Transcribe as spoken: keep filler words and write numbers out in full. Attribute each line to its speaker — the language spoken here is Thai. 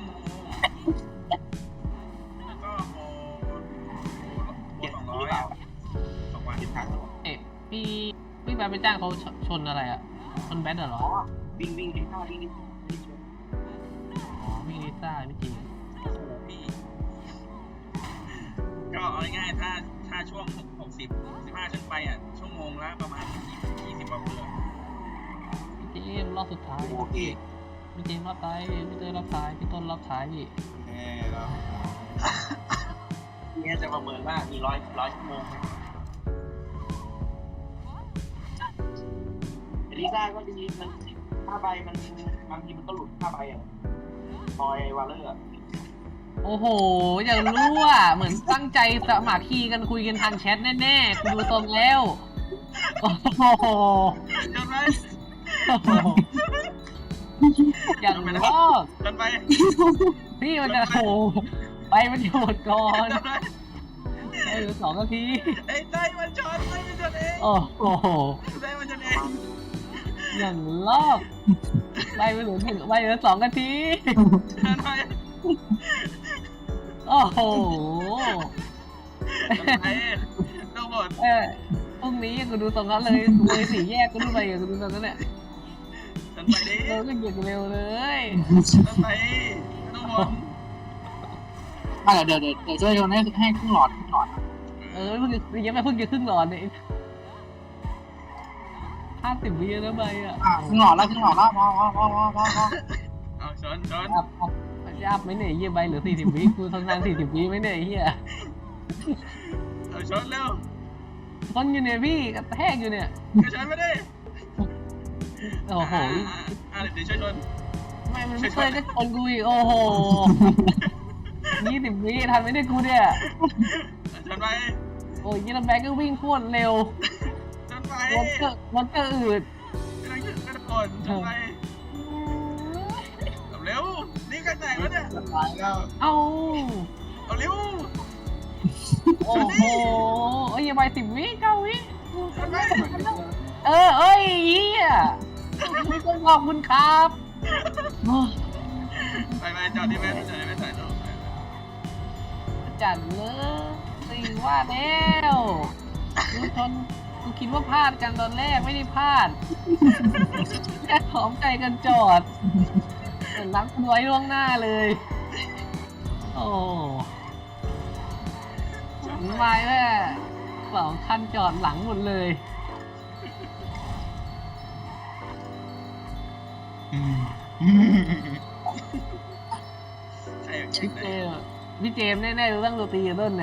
Speaker 1: โมแล้วก็โมโมสองร้อยสองวันทิศทาง
Speaker 2: เอ๊ะพี่พี่ไปไปจ้างเขาชนอะไรอ่ะชนแบทเหรอ
Speaker 3: วิ่งวิ่งลิซ่าวิ่งลิซ่า
Speaker 2: อ๋อพี่ลิซ่าพี่จี
Speaker 1: โอ้โหพี่ก็เอาง่ายๆถ้าถ้าช่วงหกสิบสิบห้าขึ้นไปอ่ะชั่วโมงละประมาณยี่สิบกว่าเพื่อ
Speaker 2: พี่จีรอบสุดท้าย
Speaker 3: โอเค
Speaker 2: พี่จีรอบท้ายพี่เต้รอบท้ายพี่ต้นรอบท้ายพี่
Speaker 3: แน่แล้วเนี่ยจะประเมินว่ามีร้อยร้อยชั่วโมงไหมลิซ่าก็ดีมันค่าใบมันบางทีมันก็หลุดค่าใบอ่ะบอยวาเลอร์
Speaker 2: โอ้โหอยากรู้อ่ะเหมือนตั้งใจสมัครคีย์กันคุยกันทางแชทแน่ๆกูดูทรงแล้วโอ้โห
Speaker 1: จนไป
Speaker 2: อย่างรอบ
Speaker 1: จนไป
Speaker 2: พี่มันจะโหไปมันจะหมดก่อน
Speaker 1: จนไป
Speaker 2: เหลือสองนาที
Speaker 1: ไอ้ไต้มันชนไต้มันชนเอง
Speaker 2: โอ้โห
Speaker 1: ไต้มันชนเอง
Speaker 2: อย่างรอบไปไปเหลือหนึ่งไปเหลือสองนาที
Speaker 1: จนไป
Speaker 2: โอ้โห
Speaker 1: จนไปต้องหมด
Speaker 2: เออพรุ่งนี้กูดูตรงนั้นเลยเลยสี่แยกกูดูไปกูดูตรงนั้นเนี่ย
Speaker 1: จนไปดิ
Speaker 2: เร็วก็หยุดเร็วเลย
Speaker 1: จนไปต้องหมด
Speaker 3: อ่ะเดี๋ยวเดี๋ยวเดี๋ยวช่วยโยนให้ให้ครึ่งหลอดครึ่งหลอด
Speaker 2: เออเพิ่งยังไม่เพิ่งจะครึ่งหลอดเนี่ยห้าสิบวิแล้วไปอ่ะ
Speaker 3: อ่ะครึ่งหลอดแล้วครึ่งหลอดแล้วพอพอพอพอพอพอ
Speaker 1: เอาชนชน
Speaker 2: อัพอัพอัพไหมเนี่ยเยี่ยใบเหลือสี่สิบวิกูทำงานสี่สิบวิไหมเนี่ยเฮีย
Speaker 1: เอาชนเร็ว
Speaker 2: ต้นอยู่เนี่ยพี่กระแทกอยู่เนี่ย
Speaker 1: ก็ชนไม่ได้
Speaker 2: โอ้โห
Speaker 1: อ่าเดี๋ยวช่วยชน
Speaker 2: ไม่มันไม่เคยจะชนกูอีกโอ้โหยี่สิบวิทันไหมเนี่ยกูเนี่ย
Speaker 1: ชนไป
Speaker 2: โอ้ยยี่ลำแบกก็วิ่งโคตรเร็ว
Speaker 1: ชนไป
Speaker 2: รถก็รถก็อืด
Speaker 1: กำลังจะกระโดดชนไปเร็วนี่กันไหนวะเนี่ย
Speaker 3: ตายแล้ว
Speaker 2: เอ้า
Speaker 1: เอาเร็ว
Speaker 2: โอ้โหเอ้ยอย่าไปสิบวิเก้าวิ
Speaker 1: ชนไป
Speaker 2: เออเอ้ยเฮียไม่ต้องขอบคุณครับโอ้
Speaker 1: ไปไปจอดที่แม่จอดที่แม่ถ่ายรูป
Speaker 2: จัดเลยสิว่าแล้วกูชนกูคิดว่าพลาดกันตอนแรกไม่ได้พลาดแค่หอมใจกันจอดรักกันไว้ล่วงหน้าเลยโอ้ไม่แม่สองคันจอดหลังหมดเลย
Speaker 1: ใครอยากเก่
Speaker 2: พี่
Speaker 1: ง
Speaker 2: เจ
Speaker 1: ได้
Speaker 2: มส์พี่เจมส์แน่ๆรู้เรื่องดนตรีกับต้นเนี่ย